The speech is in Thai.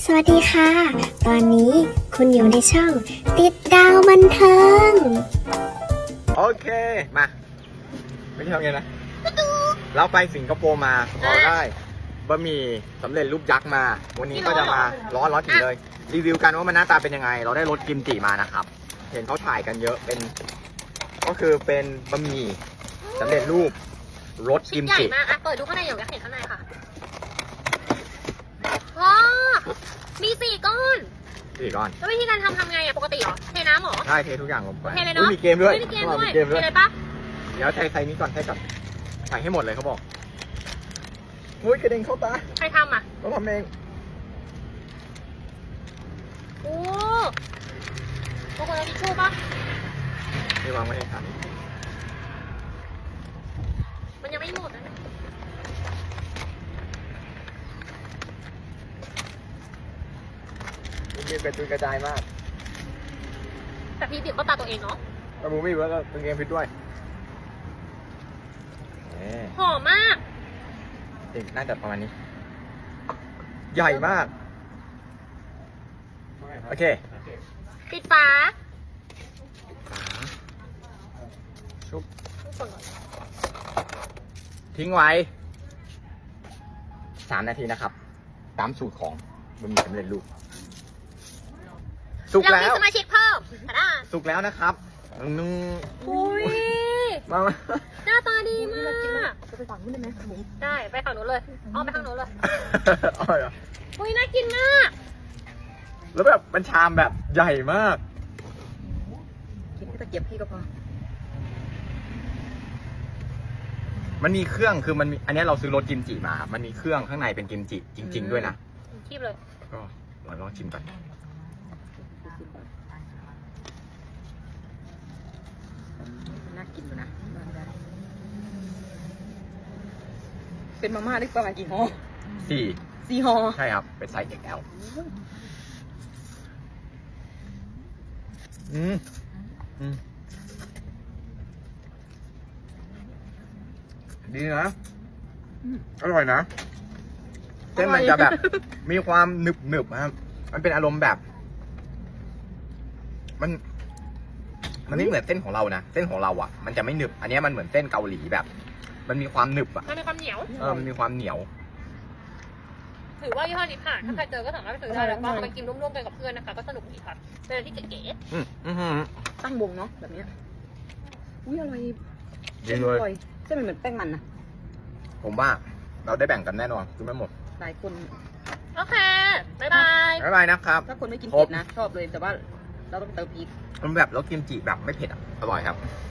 สวัสดีค่ะ ตอนนี้คุณอยู่ในช่องติดดาวบันเทิงโอเค มาไม่ใช่ทำไงนะ เราไปสิงคโปร์มาเราได้บะหมี่สำเร็จรูปยักษ์มา วันนี้ก็จะมาร้อนถึงเลย รีวิวกันว่ามันหน้าตาเป็นยังไง เราได้รสกิมจิมานะครับ เห็นเขาถ่ายกันเยอะเป็น ก็คือเป็นบะหมี่สำเร็จรูปรสชิ้กินมใหญ่จิมากอ่ะเปิดดูข้างในอยากเห็นข้างในค่ะว้ามี4 ก้อนสี่ก้อนแล้ววิธีการทำไงอ่ะ ปกติเหรอ เทน้ำเหรอใช่เททุกอย่างลงไปเทเลยเนาะมีเกมด้วยมีเกมด้วยมีเกมด้วยเทเลยปะเดี๋ยวใส่นี้ก่อนใส่ให้หมดเลยเขาบอกอุ้ยกระเด็นเข้าตาใครทำอ่ะเราทำเองโอ้บางคนเอาทิชชู่ปะนี่วางไว้ในถังมันยังไม่หมดนะเกมเป็นตุนกระจายมากแต่พี่บีบก็ตาตัวเองเนาะแต่บูมี่ว่าก็เป็นเกมพิษด้วยหอมมากน่าจะประมาณนี้ ใหญ่มาก โอเคปิดฝาชุบทิ้งไว้3 นาทีนะครับ ตามสูตรของบะหมี่สำเร็จรูปสุกเราแล้มีวสมาชิกเพิ่มอ่ะสุกแล้วนะครับนุ่งอุ้ยมาหน้าตาดีมากจะไปฝั่งนู้นได้ไหมผมได้ ไปฝั่งนู้นเลยอ้อมไปทางนู้นเลยอร่อยเหรออุ้ยน่ากินมากแล้วแบบมันชามแบบใหญ่มากกินแค่ตะเกียบพี่ก็พอมันมีเครื่องคือมันมีอันนี้เราซื้อรสกิมจิมา มันมีเครื่องข้างในเป็นกิมจิจริง ๆ ด้วยนะคีบเลยก็ลองชิมก่อนน่ากินอยู่นะเป็นมาม่าได้ประมาณกี่ห่อ 4 ห่อใช่ครับ เป็นไซส์ XL ดีนะ อร่อยนะ เส้นมันจะแบบ มีความหนึบๆครับ มันเป็นอารมณ์แบบ มันไม่เหมือนเส้นของเรานะ เส้นของเราอ่ะ มันจะไม่หนึบ อันนี้มันเหมือนเส้นเกาหลีแบบ มันมีความหนึบอ่ะมันมีความเหนียวมันมีความเหนียวถือว่ายี่ห้อนี้ผ่าน ถ้าใครเจอก็สามารถไปซื้อได้แล้วก็เอาไปกินร่วมๆกันกับเพื่อนนะคะ ก็สนุกดีค่ะ เป็นอะไรที่เก๋ตั้งวงเนาะแบบเนี้ยอุ้ยอร่อยดีเลยอร่อยเส้นมันเหมือนแป้งมันนะผมว่าเราได้แบ่งกันแน่นอนคือไม่หมดหลายคนๆ โอเค บ๊ายบายบ๊ายบายนะครับถ้าคนไม่กินครบเผ็ดนะ ชอบเลยแต่ว่าเราต้องเติมพริกมันแบบรสกิมจิแบบไม่เผ็ดอ่ะ อร่อยครับอ